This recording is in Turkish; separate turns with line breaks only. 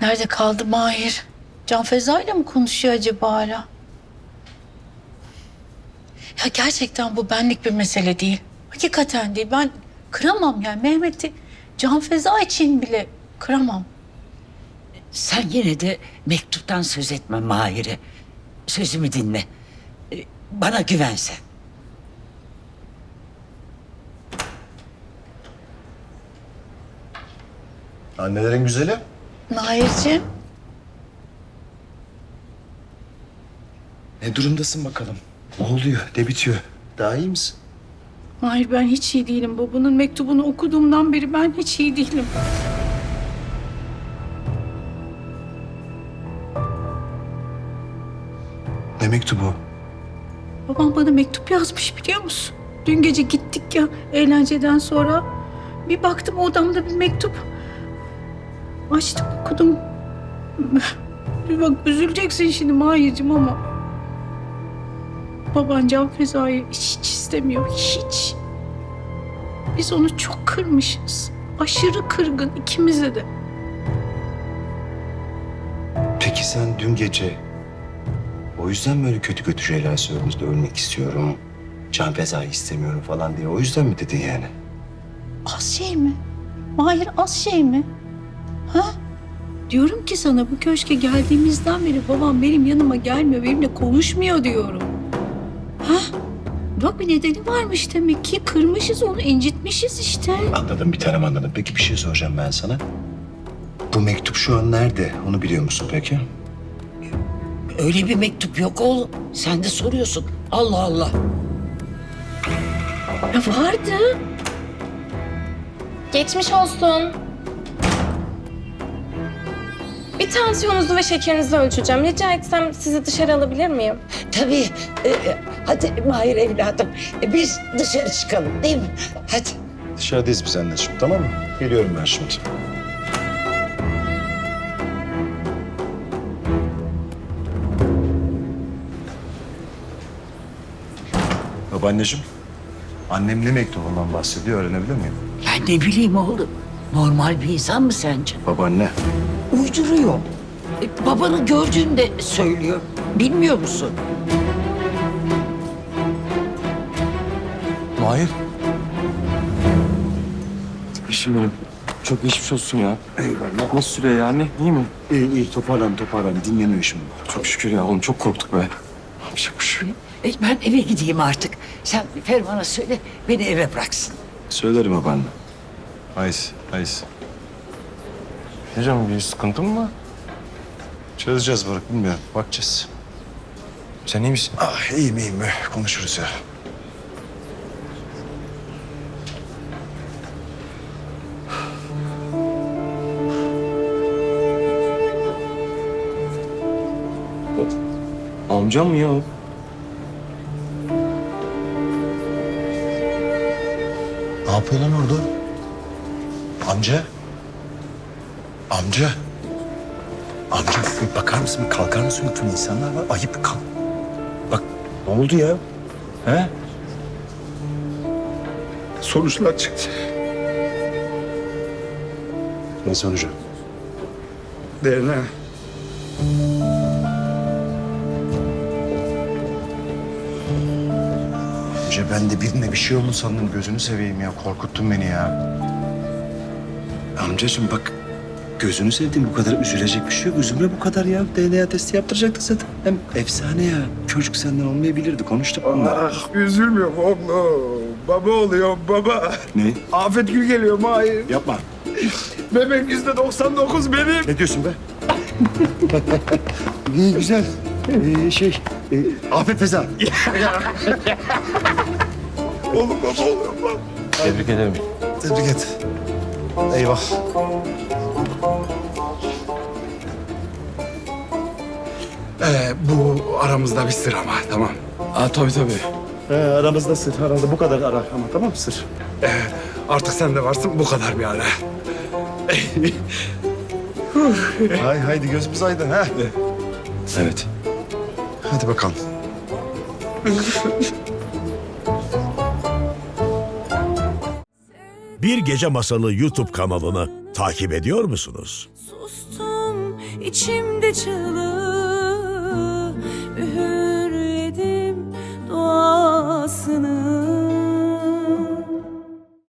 Nerede kaldı Mahir? Can Feza ile mi konuşuyor acaba hala? Ya gerçekten bu benlik bir mesele değil. Hakikaten değil. Ben kıramam yani Mehmet'i Can Feza için bile kıramam.
Sen yine de mektuptan söz etme Mahir'e. Sözümü dinle. Bana güven sen.
Annelerin güzeli.
Mahir'ciğim.
Ne durumdasın bakalım? Ne oluyor? Ne bitiyor? Daha iyi misin?
Mahir ben hiç iyi değilim. Babanın mektubunu okuduğumdan beri ben hiç iyi değilim.
Ne mektubu?
Babam bana mektup yazmış biliyor musun? Dün gece gittik ya eğlenceden sonra. Bir baktım odamda bir mektup. Açtım okudum. Bir bak üzüleceksin şimdi Mahir'cim ama. Baban Can Feza'yı hiç istemiyor, hiç. Biz onu çok kırmışız. Aşırı kırgın ikimize de.
Peki sen dün gece o yüzden mi öyle kötü kötü şeyler söyledin? İşte ölmek istiyorum, can fezayı istemiyorum falan diye. O yüzden mi dedin yani?
Az şey mi? Mahir az şey mi? Ha? Diyorum ki sana bu köşke geldiğimizden beri babam benim yanıma gelmiyor, benimle konuşmuyor diyorum. Ha? Bak bir nedeni varmış demek ki. Kırmışız onu, incitmişiz işte.
Anladım, bir tanem anladım. Peki bir şey soracağım ben sana. Bu mektup şu an nerede? Onu biliyor musun peki?
Öyle bir mektup yok oğlum. Sen de soruyorsun. Allah Allah.
Ya vardı.
Geçmiş olsun. Bir tansiyonunuzu ve şekerinizi ölçeceğim. Rica etsem sizi dışarı alabilir miyim?
Tabii. Hadi Mahir evladım. Biz dışarı çıkalım değil mi? Hadi.
Dışarıdayız biz anneciğim, tamam mı? Geliyorum ben şimdi. Babaanneciğim, annem ne mektubundan bahsediyor öğrenebilir miyim?
Ben ne bileyim oğlum. Normal bir insan mı sence?
Babaanne.
Uyduruyor. Babanı gördüğünde söylüyor. Bilmiyor musun?
Mahir. Eşim benim. Çok geçmiş olsun ya.
Eyvallah.
Nasıl sürüyor yani? İyi mi?
İyi toparlan. Dinleniyor şimdi.
Çok şükür ya oğlum, çok korktuk be. Yapacak bir şey yok.
Ben eve gideyim artık. Sen Ferman'a söyle beni eve bıraksın.
Söylerim babaanne. Haydi.
Hocam bir sıkıntın mı var?
Çözeceğiz Burak, bilmiyorum. Bakacağız.
Sen iyi misin?
Ah iyiyim. Konuşuruz ya.
Amcam mı ya o?
Ne yapıyor lan orada? Amca. Amca bir bakar mısın? Bir kalkar mısın lütfen? İnsanlar var. Ayıp bir kalk. Bak ne oldu ya? He?
Sonuçlar çıktı.
Ne sonucu?
DNA.
Amca ben de birine bir şey oldu sandım. Gözünü seveyim ya. Korkuttun beni ya. Amcacığım bak. Gözünü sevdiğim bu kadar üzülecek bir şey yok. Üzülme bu kadar ya. DNA testi yaptıracaktı zaten. Hem efsane ya. Çocuk senden olmayabilirdi. Konuştuk bunları.
Ah üzülmüyorum oğlum. Baba oluyor baba.
Ne?
Afet Gül geliyor Mahir.
Yapma.
Bebek %99 benim.
Ne diyorsun be? İyi güzel. Afet Feza.
Oğlum baba oluyorum lan.
Tebrik ederim.
Tebrik et. Eyvah.
Bu aramızda bir sır ama tamam.
Aa tabii.
Aramızda sır. Aramızda bu kadar ara ama tamam mı sır?
Artık sen de varsın bu kadar bir ara.
Haydi gözümüz aydın ha.
Evet.
Hadi bakalım.
Bir Gece Masalı YouTube kanalını takip ediyor musunuz?
Sustum
içimde çığlığı, üğürledim duasını.